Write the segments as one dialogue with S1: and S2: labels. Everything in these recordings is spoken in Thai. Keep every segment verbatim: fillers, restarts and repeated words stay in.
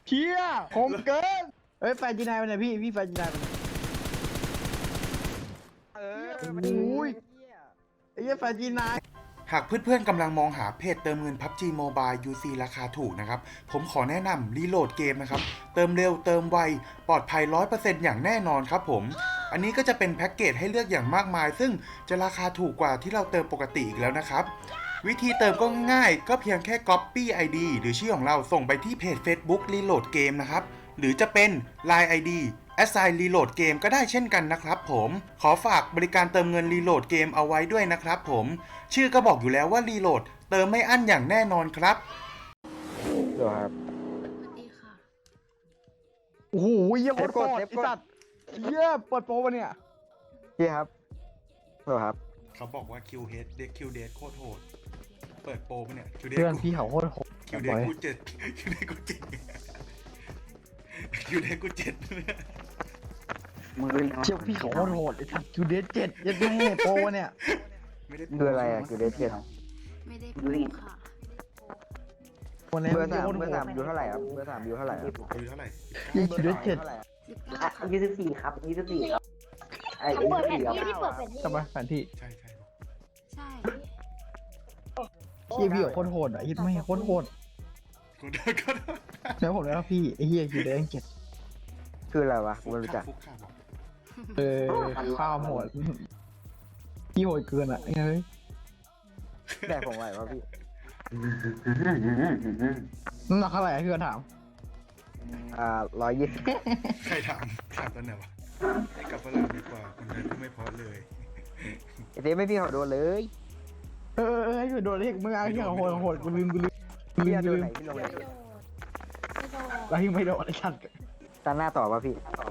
S1: เชี่ยคมเกินเฮ้ยแฟนจีนายไปไหนพี่พี่แฟนจีนายไปไหนเออโอ้ยไอ้เหี้ยแฟนจีนาย
S2: หากเพื่อนๆกำลังมองหาเพจเติมเงิน พับจี Mobile ยู ซี ราคาถูกนะครับผมขอแนะนำรีโหลดเกมนะครับเติมเร็วเติมไวปลอดภัย ร้อยเปอร์เซ็นต์ อย่างแน่นอนครับผมอันนี้ก็จะเป็นแพ็กเกจให้เลือกอย่างมากมายซึ่งจะราคาถูกกว่าที่เราเติมปกติอีกแล้วนะครับวิธีเติมก็ง่ายก็เพียงแค่ Copy ไอ ดี หรือชื่อของเราส่งไปที่เพจ Facebook Reload Game นะครับหรือจะเป็น ไลน์ ไอ ดี Assign Reload Game ก็ได้เช่นกันนะครับผมขอฝากบริการเติมเงิน Reload Game เอาไว้ด้วยนะครับผมชื่อก็บอกอยู่แล้วว่า Reload เติมไม่อั้นอย่างแน่นอนครับ
S3: เดี๋ยวครับ
S4: สวัสดีค่ะ
S1: โอ้โหเยี่ยโคตรโคตรไอ้สัตว์เยี่ยเปิดโปรวะเนี่ย
S3: พี่ครับเดี๋ยวครับ
S2: เขาบอกว่า คิว เฮด เด็ก คิว เดท โคตรโหดเปิดโปรปะเนี่ย คิว เดท
S1: เพื่อนพี่เขาโคตรโหด
S2: คิว เดท กูเจ็ด คิว เดท กูเจ็ด คิว เดท กูเจ็ด
S3: มือ
S1: เชี่ยพี่เขาโคตรโหดไอ้สัตว์จูเดสเจ็ดยัดแม่โปรวะเนี่ย
S2: ไม่ได้
S3: คืออะไรอ่ะคือเดทเทียน
S4: ไม่ได้พูดค่ะ
S1: วันนี้
S3: เบอร์
S1: เยี่
S3: สาย ม
S1: โคตร
S3: เบอ
S1: โห
S3: ร์สา
S1: ด
S3: มอยู่เท่าไหร่ครับเบอร์สามอยู่เท่าไหร่ครับ
S2: อายุเท่าไหร่
S1: ยี่จูเดสเจ็ด
S4: สิบเก้าค่ะ
S5: ยี่สิบสี่ครับยี่สิบสี่ครับไอ้
S6: เขา
S5: ยี่
S6: เปิด
S5: สิบ
S6: แผน
S5: สี่ครับ
S6: ที่ที่เปิดแผนที่
S1: ทำไมแฟนที่
S2: ใช่ใช่
S4: ใช่
S1: เชี่ยพี่เขาโคตรโหดอ่ะยัดแม่โคตรโหด
S2: กูเดินก็ได้
S1: แล้วผมแล้วพี่ไอ้เหี้ยจูเดสเจ็ด
S3: คืออะไรวะกูไม่รู้จัก
S2: ฟุกข่าบอก
S1: เออข้าวโหดพี่โหดเกินอ่ะเฮ้ย
S3: แดกผมไหววะพี่
S1: น้ำหนักเท่าไหร่พี่ก็ถาม
S3: อ่าร้อยยี่สิบ
S2: ใครถามถามตอนไหนวะให้กลับฝรั่งดีกว่าคนไทยพูดไม่เพอเลย
S3: ไอเต้ไม่พี่เขาโดนเลย
S1: เออเออให้ช่วยโดนเรียกมึงเอาที่เขาโหดโหดกูลืมกูลืมกูลื
S3: พี่
S1: ม
S3: โด
S1: กู
S3: น
S1: ลื
S3: ไหน
S1: ม
S3: พี่ลง
S4: ไม่
S3: ไหน
S4: โดดไม่โดด
S1: แล้วยังไม่โดนไอ้สัตว์
S3: ตาหน้าต่อป่ะพี่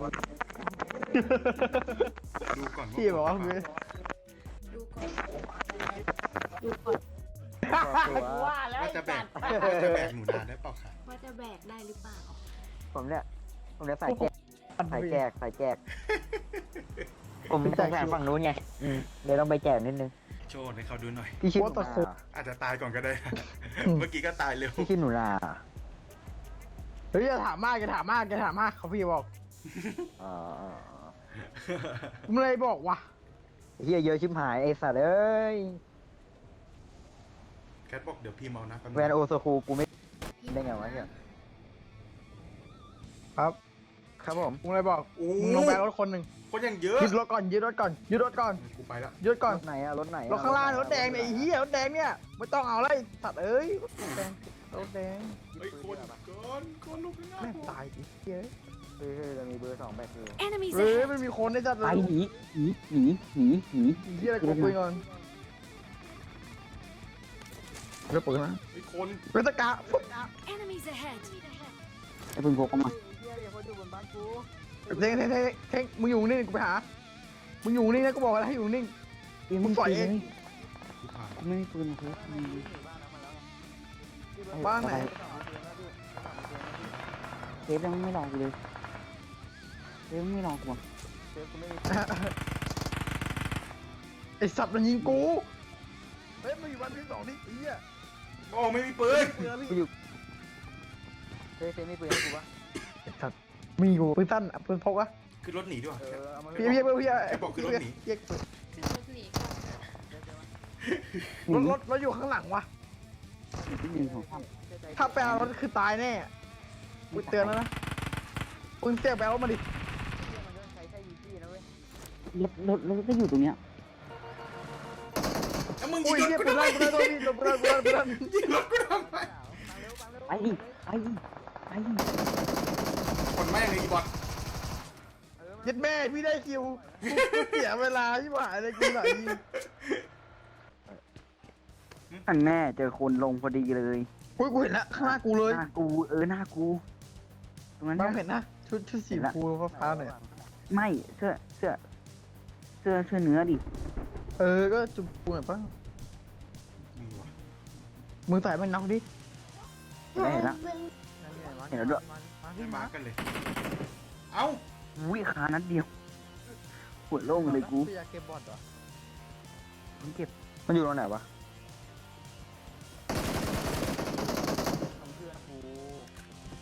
S2: ดูก่อน
S1: พี่บอกว่าคือ
S4: ดูก่อนดูก่อน
S6: ว่าแล้ว
S2: ว่า
S6: ไอ้
S2: จะแบ
S6: สั
S2: ก
S6: ตว์
S2: ว่าจะแบกหนูนาได้เปล่าค่ะ
S4: ว่าจะแบกได้หรือเปล่า
S3: ผมเนี่ยผมเนี่ยสายแจกสายแจกสายแจกผมสงสารฝั่งนู้นไงอืมเดี๋ยวต้องไปแจกนิดนึง
S2: โชว์ให้เขาดูหน่อย
S3: พี่ชื่อหนูนา
S2: อาจจะตายก่อนก็ได้นะเมื่อกี้ก็ตายเร็ว
S3: พี่ชื่อหนูนา
S1: เฮ้ยจะถามมากจะถามมากจะถามมากเขาพี่บอก
S3: อ๋อ
S1: มึงเลยบอกว่ะ
S3: เฮียเยอะชิบหายไอสัตว์เอ้ย
S2: แคทบอกเดี๋ยวพี่เมานะ
S3: แวนโอโซคูกูไม่ได้ไงวะเนี่ย
S1: ครับ
S3: ครับผม
S1: มึงเลยบอก
S2: โอ้
S1: มึงลงไปรถคนหนึ่ง
S2: คนยังเยอะ
S1: ยึดรถก่อนยึดรถก่อนยึดรถก่อน
S2: กูไปแล้ว
S1: ยึดก่อน
S3: รถไหนอะรถไหนอะ
S1: รถข้างล่างรถแดงเนี่ยไอ้เหี้ยรถแดงเนี่ยไม่ต้องเอาเลยสัตว์เอ้ยรถแดงรถแดง
S2: เฮ้ยคนเกินคนลุกขึ้นมา
S1: แม่งตายอีกเหี้ย
S3: เฮ้ยเฮ้ยเรามีเบอร์สองแบกอยู่
S4: enemies
S1: เฮ้ย
S4: ahead
S1: ไม่มีคนในจัดเล
S3: ไป
S1: ย
S3: หนีหนีหนีหนีหนี
S1: ไอ้เหี้ยอะไรกูคุยก่อนเดี๋ยวเปิดนะ
S2: เฮ้ยคน
S1: เวทกะ
S4: enemies ahead
S3: ไอ้พึ่งพกเข้ามา
S1: เท่งเท่งเท่งเท่งมึงอยู่นิ่งกูไปหามึงอยู่นิ่งนะกูบอกแล้วให้อยู่นิ่งมึงปล่อยเอง
S2: กูผ่าน
S3: ไม่มีปืนครับ
S1: บ้านไหน
S3: เซฟยังไม่ลองกูเลยเซฟไม่ลองกูอ่ะ
S1: ไอสัตว์มันยิงกูเฮ้ยมันอยู่บ้านที่สองนี่ไอ้เหี้ย
S2: โอ้ไม่มีปืน
S1: เปืน
S3: กูอยู่เซฟเซฟไม่ปืนให้กูปะ
S1: ไอ้สัตว์มีกูปืนสั้นอะปืนพกอะ
S2: ขึ้นรถหนีดีกว่า
S3: เออเอามา
S1: พี่พี่พี่พี่
S2: ไอ้บอกขึ้นรถหนี
S1: เรียกปืน
S4: ขึ้นรถหนีก่อน
S1: รถรถรถอยู่ข้างหลังวะ
S3: หนึ่งของข้าม
S1: ถ้าไปเอารถคือตายแน่กูเตือนแล้วนะมึงเสียไปเอารถมาดิ
S3: รถรถรถก็อยู่ตรงเนี้ย
S2: แล้วมึง
S1: โอ้
S2: ยิ
S1: ย
S2: ง
S1: เหี้ย
S2: รถ
S1: ปื
S2: กู
S1: น
S2: ทำไม
S1: ลั่นปืนลั่นตัวพี่ปืนลั่นปืนลั่นปืนลั่น
S2: ยิงรถกูทำไม
S3: ไปดิไปดิไปดิ
S2: คนแม่งเลยอีบอท
S1: ยัดแม่พี่ได้คิวกูเสียเวลาที่หายเลยกูไหน
S3: อันแม่เจอคนลงพอดีเลย
S1: กูกูเห็นแล้วข้างหน้ากูเลย
S3: หน้ากูเออหน้ากูตรงนั้น
S1: บาง
S3: เนี่ย
S1: เห็นนะชุดชุดสีฟูฟ้าๆหน่อยอะ
S3: ไม่เสื้อเสื้อเสื้อเสื้อเนื้อดิ
S1: เออก็จุ่มปูหน่อยป่ะ
S2: มีวะ
S1: มือใส่มันน็อกดิ
S3: เห็นแล้วเห็นแล้ว เห็นแล้วด้วย
S1: มา
S2: ไม่
S1: พี่
S2: มา
S1: มา
S2: กันเลย เอ้า
S3: อุ้ยขานัดเดียวหัวโล่งเลยกู
S1: พี่อยากเก็บบอลเหรอ
S3: มันเก็บมันอยู่ตรงไหนวะ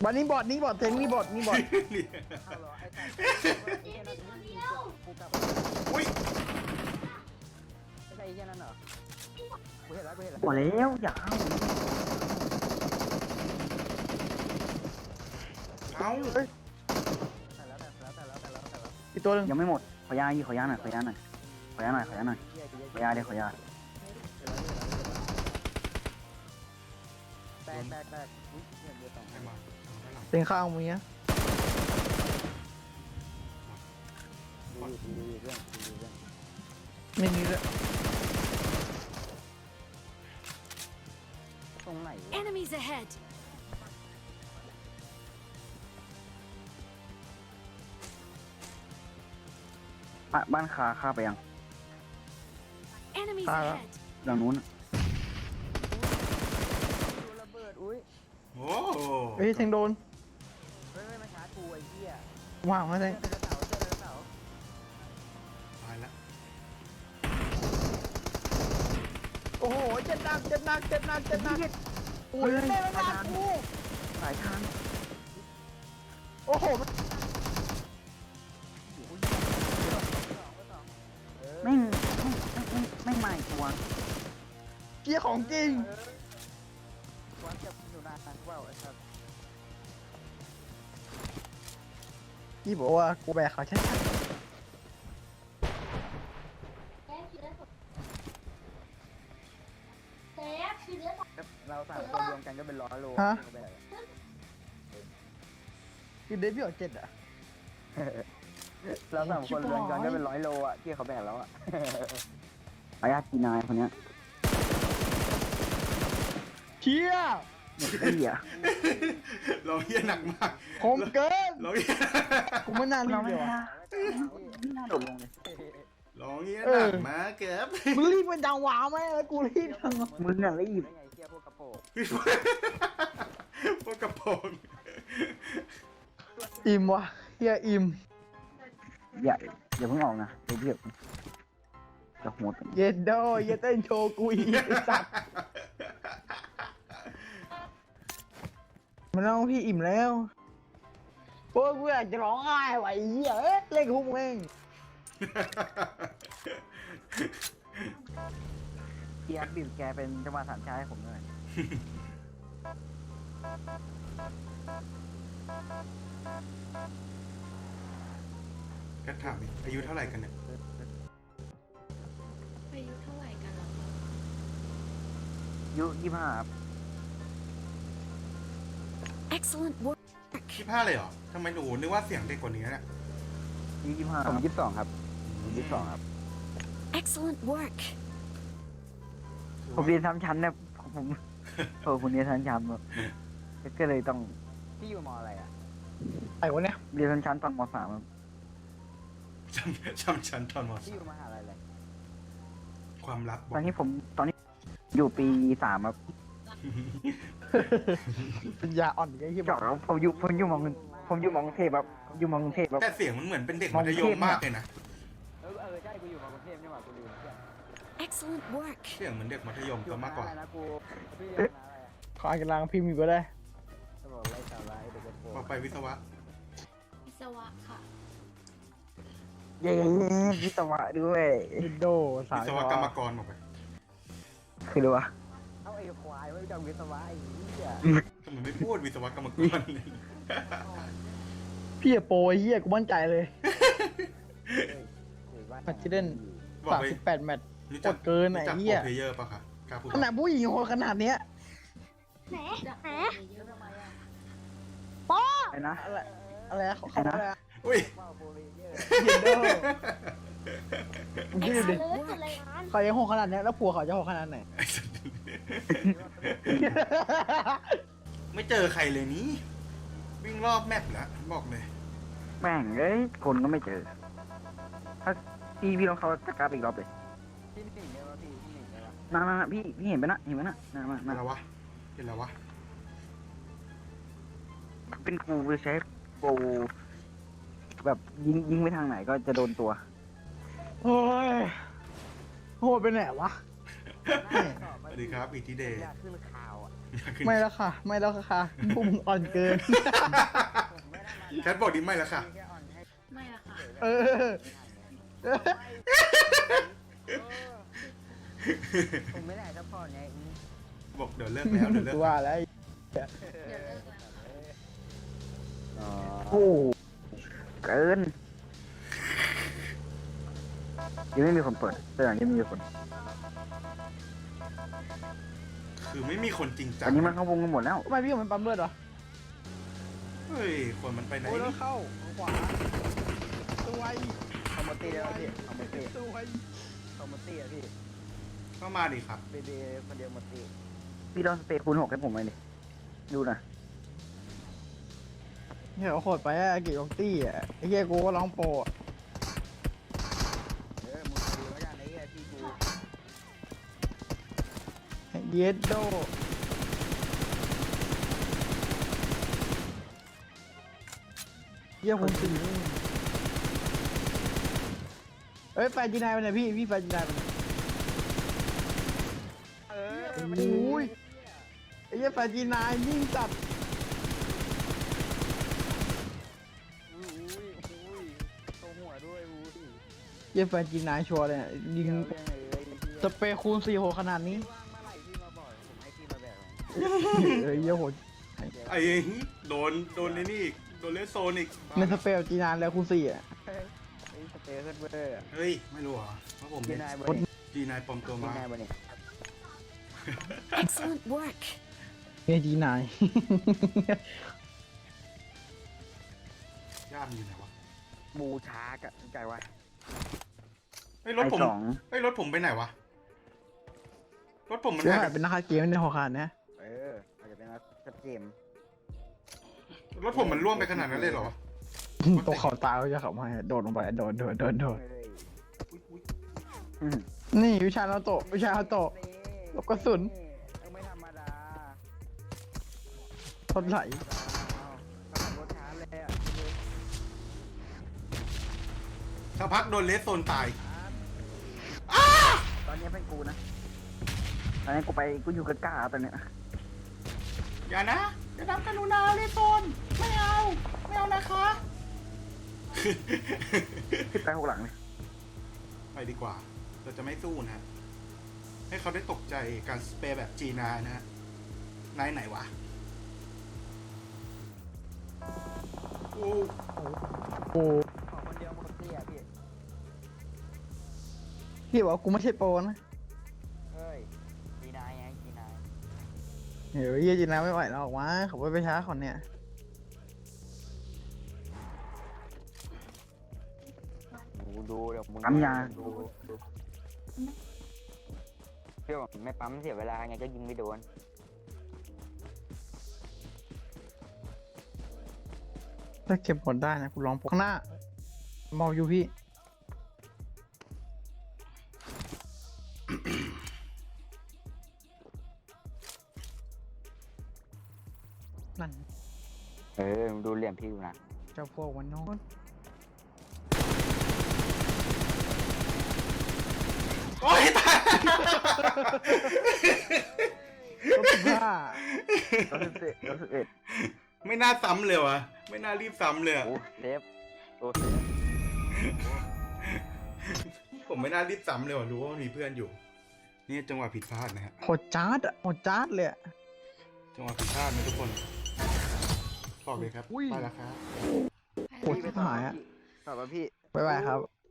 S1: วันนี้บอดนี่บอดเทงนี่บอดนี่บอด
S3: เอาเหรอไอ้สัตว์ไอ้เหี้ยนั่นกูกลับ
S2: อุ้ย
S3: ไม่ใช่ไอ้เหี้ยนั่นเหรอกูเห็นแล้วกูเห็นแล้ว
S5: หมดแล้วอย่าเอา
S2: เอ้า
S3: แต่แล้วแต่แล้วแต่แล้วแต่แล้วแต่แล้ว
S1: อีกตัวหนึ่ง
S5: ยังไม่หมดขอยาอีกขอยาหน่อยขอยาหน่อยขอยาหน่อยขอยาหน่อย
S3: เหี้ยกู
S5: ขอยาเดี๋ยวขอยา
S3: แตกแตกแตกอุ้ยเหี้ยเดือดสอง
S2: ใครมาเอาด้านหลัง
S1: เต็งข้างมึงเนี้ย
S3: ดูดูดูเรื่องดูเรื่อง
S1: ไม่มีเลย
S3: ตรงไหนวะ
S4: Enemies ahead!
S5: บ้านบ้านคาข้าไปยัง
S4: Enemies
S1: Ah,
S4: ahead!
S5: หลังนู้น
S3: ดูระเบิดอุ้ย
S2: โอ้
S1: เฮ้ยเทงโดน
S3: เฮ้ยมาชาร์จกูไอ้เหี้ย
S1: ว่างมาเท
S3: เสื้อง ไดโนเสาร์เสื้อไดโนเสาร์
S2: ตายละ
S1: โอ้โหเจ็บหนักเจ็บหนักเจ็บหนักเจ็บหนักโอ้ยเล่นมากู
S5: สายทาง
S1: โอ้โห
S5: ไม่ไม่ไม่ไม่ใหม่ตัว
S1: เกียร์ของจริง
S3: วันจะอยู่นานนานเปล่าไอ้สัส
S1: พี่บอกว่ากูแบกเขาใช่ไหม
S3: เราสามคนรวมกันก็เป็นร้อยโล
S1: ฮะ
S3: แบบ
S1: คือเดฟพี่ออกเจ็ดอ่ะ
S3: เราสามคนรวมกันก็เป็นร้อยโลอ่ะที่เขาแบกแล้วอ่ะ
S5: ขอยาจีนายคนเนี้ย
S1: เชี่ย
S5: ไอ้เหี้ย
S2: เราเฮี้ยหนักมาก
S1: คมเกิน
S2: เราเฮี้ย
S1: กูไม่น่ารี
S5: เรา
S1: บ
S5: ไม่
S1: เลยว่ะ
S5: น่าไม่น่าโดดลงเลย
S2: เราเฮี้ยหนักมากเกือบ
S1: มึงรีบเป็นจังหวะไหมแล้วกูรีบจังหวะ
S5: มึงน่ะรีบ
S3: ไงเที่ยพวกกระโปง
S2: พวกกระโปรง
S1: อิ่มว่ะเฮียอิ่ม
S5: อย่าอย่าเพิ่งออกนะเดี๋ยวเดี๋ยวจะโหด
S1: เย็ดโดเย็ดเต้นโชว์กูอีกไอ้สัตว์มันน้องพี่อิ่มแล้วโอ้ยกูอยากจะร้องไห้ว่ะไอ้เหี้ยเอ้ยเล่นกับพวกมึงเอง
S5: เกียร์บีบแกเป็นจังหวะสามชายให้ผมหน่อย
S2: ก็ถามดิอายุเท่าไหร่กันเนี่ย
S4: อายุเท่าไหร่กันเหรอ
S5: อายุยี่ห้า
S4: Excellent work!
S2: ยี่ห้าเลยเหรอทำไมหนูนึกว่าเสียงเด็กกว่านี้เนี่ย
S5: อายุยี่ห้า
S3: ผมยี่สิบสองครับผมยี่สิบสองครับ
S4: Excellent work!
S5: ผมเรียนทำชั้นนะผมเออผมเรียนทำชั้นแบบก็เลยต้อง
S3: ที่อยู่มออะไรอ่ะ
S1: ไอ้วะเนี่ย
S5: เรียนทำชั้นตอนมสามครับ
S2: จำจำชั้นตอนม
S3: ที่
S2: สา
S3: อยู่
S2: ม
S3: มหาลัยอะไร
S2: ความลับบอก
S5: ตอนนี้ผมตอนนี้อยู่ปีสามครับ
S1: ปัญญาอ่อนไอ้เหี้ย
S5: จอกแล้วผมอยู่ผมอยู่มองผมอยู่มองกรุงเทพครับผมอยู่มองกรุงเทพครับ
S2: แต่เสียงมันเหมือนเป็นเด็กมัธยมมากเลยนะ
S3: เออเออใช่กูอยู่มากรุงเทพนี่หว่ากูลืมเพื่อน
S4: Excellent work!
S2: เสียงเหมือนเด็กมัธยมซะมากกว่า
S3: อะไรนะกูพี่เรียนคณะอะไรอ่ะ
S1: ขออ่านกำลังพิมพ์อยู่ก็ได้
S3: จะบอกไล่สาระไอ้เด็กกระโปง
S2: บอกไปวิศวะ
S4: วิศวะค่ะ
S5: เย้วิศวะด้วย
S1: วินโดสา
S2: วิ
S1: ย
S2: ศวกรรมกรบอกไป
S5: คือรู้วะ
S3: เอาไอ้ควายไว้จังวิศวะไอ้เหี้ย
S2: ทำไมไม่พูดวิศวกรรมกร
S1: พี่อะโปรไอ้เหี้ยกูมั่นใจเลยแมตช์ที่เล่น
S2: บอก
S1: สาม
S2: ไป
S1: สิบแปดแมตช์
S2: รู้จัก
S1: กดเกินไอ้
S2: รู้จัก
S1: เหี้ย
S2: โปรเพลเยอร์ป่ะคะกล้าพูด
S1: ขนาดผู้หญิงโหดขนาดเนี้ย
S5: ไอ้นะ
S1: อะไรอะไรนะเขาเขาอะไรนะ
S2: อุ้ย
S3: ว้าวโปรเลเยอร์
S1: วินโดมึงคิดดูดิ
S4: Excellent work!
S1: เขายังโหดขนาดเนี้ยแล้วผัวเขาจะโหดขนาดไหน
S2: ไอ้สัตว์ไม่เจอใครเลยนี้ วิ่งรอบแมปแล้วบอกเลย
S5: แม่งเอ้ยคนก็ไม่เจอ ถ้าพี่พี่ลองเขาจะกราบอีกรอบเลย
S3: ที่หนึ่งเลยวะพี่ที่หนึ่งเลยวะ
S5: นั่นๆพี่พี่เห็นไหมนะเห็นไหมนะนั่นนั่น
S2: เห็นแล้ววะเห็นแล้ววะ
S5: เป็นกูใช้โปรแบบยิงยิงไปทางไหนก็จะโดนตัว
S1: โอ้ยโหดไปไหนวะ
S2: สวัสดีครับอีทีเดย์
S3: อยากขึ้นข่าวอ่ะ
S1: ไม่แล้วค่ะ ไม่แล้วค่ะพวกมึงอ่อนเกิน
S2: แคทบอกดิไม่แล้วค่ะ
S4: ไม่ละค่ะ
S1: เออ
S3: ผมไม่ได้ซัพพอร์ตไงอืม
S2: บอกเดี๋ยวเลิกแล้วเดี๋ยวเลิก
S1: กูว่าแล้ว
S4: เดี๋ยวเลิกแล้ว
S3: อ๋อ
S5: โอ้เกินยังไม่มีคนเปิดแต่อย่างนี้มีคน
S2: คือไม่มีคนจริงจัง
S5: อันนี้มันเข้าวงกันหมดแล้ว
S1: ทำไมพี่กับมันปั๊มเลือดวะ
S2: เฮ้ยคนมันไปไหน
S1: โอ้ยแล้ว
S2: นี่
S1: เข้าทางขวาตัวไว
S3: คอมมตี้แล้วพี่คอมมตี้
S1: ตัวไว
S3: คอมมตี้อะพี่
S2: ก็มาดิครับ
S3: เบเบคนเดียวหมดตี้
S5: พี่ลองสเตย์คูณหกให้ผมหน่อยดิดูหนะ
S1: เนี่ยเอาโคตรไปอะเกี่ยวกับตี้อะไอ้เหี้ยกูก็ร้องโปรอะ
S3: เออมึงดูแล้วกันไอ้เหี้ยพี่กู
S1: เยสโดเยี่ยคนสี่เอ้ยแฟนจีนายไปไหนพี่พี่แฟนจีนายไปไหน
S3: เออ
S1: โอ้ยไอ้เหี้ยแฟนจีนายยิ่งจัด
S3: อุ้ยอุ้ยอุ้ยโตหัวด้วยอุ้ย
S1: เยี่ยแฟนจีนายชัวร์เลยอะยิง
S3: เดี๋ยวยังไงเลยพี่
S1: สเปรย์คูณสี่โหขนาดนี้
S3: ว่างเมื่อไหร่พี่มาบอกผมให้พี่มาแบกเลย
S1: เอ้ยเยี่ยโหด
S2: ไอ้โดนโดนในนี่อีกโดนเลสโซนอีก
S1: ในสเปรย์จีนายแล้วคูณสี่อะ
S3: ไอ้สเตย์เฮิร์ดเวอร์อะ
S2: เฮ้ยไม่รู้เหรอเพราะผม
S3: จี
S2: เป็น
S3: นายบนนี่
S2: จีนายปลอมตัว
S3: จี
S2: มาน
S3: ายบนนี่
S4: Excellent work
S1: เฮ้ยจีนาย
S2: ย่ามอยู่ไหนวะ
S3: บูชากอะใจวะ
S2: เฮ้ยรถ
S5: ไอ
S2: ผม
S5: สอง
S2: เฮ้ยรถผมไปไหนวะรถผมมัน
S1: เดี๋ยว
S2: หาย
S1: หายเป็นนักเกมในหัวขาดนะ
S3: เอออาจจะเป็นนักชัดเจน
S2: รถผมมันร่วงไปขนาดนั้นเลยเหรอวะ
S1: ตัวเขาตายเขาจะขับมาโดดลงไปโดดโดดโดดโดด
S3: เลย
S2: อุ๊ยอุ๊ย
S5: อืม
S1: นี่วิชาเราโตะวิชาเราโตะ ลูกกระสุน
S3: เออไม่ธรรมดา
S1: ทนไหล
S3: เอาขับรถช้าเลยอ่ะ
S2: สักพักโดนเลสโซนตาย
S3: ตอนนี้เป็นกูนะ
S5: ตอนนี้กูไปกูอยู่กับก้าตอนเนี้ย
S2: อย่านะอย่าทำกันหนูนาเลสโซนไม่เอาไม่เอานะคะ
S5: พี่ไปหกหลังเลย
S2: ไปดีกว่า เราจะไม่สู้นะฮะให้เขาได้ตกใจการสเปรย์แบบจีนานะฮะนายไหนวะโอ้
S1: โอ้
S3: ขอคนเดียวหมดเตี้ยพี่
S1: พี่บอกว่ากูไม่ใช่โปรนะ
S3: เฮ้ยจีนายไงจีนาย
S1: เฮ้ยเยี่ยจีนายไม่ไหวแล้วออกมาขับรถไปช้าคนเนี่ย
S3: ดูดูเดี๋ยวมึง
S5: ปั๊มยา
S3: ดูดูพี่บอกไม่ปั๊มเสียเวลาไงก็ยิงไม่โดน
S1: ถ้าเก็บผลได้นะกูลองพกข้างหน้า มองอยู่พี่ นั่น
S3: เออมึงดูเหลี่ยมพี่ดูนะ
S1: เจ้าพวกวันโน้น
S2: โอ้ยตาย
S1: รถสิบห้า
S5: ร้อยสิบเอ็ดร้อยสิบเอ็ด
S2: ไม่น่าซ้ำเลยวะไม่น่ารีบซ้ำเลยอะ
S3: โอ้เซฟโอ้เซฟ
S2: ผมไม่น่ารีบซ้ำเลยว่ะรู้ว่ามีเพื่อนอยู่ นี่จังหวะผิดพลาดนะฮะ
S1: โหดจ้าดอะโหดจ้าดเลยอะ
S2: จังหวะผิดพลาดนะทุกคนบอกเลยครับ
S1: อุ้ย
S2: ไปแล้วครับ
S1: โหดที่หายอะ
S3: ตอบว่าพี่
S1: บ๊ายบายครับ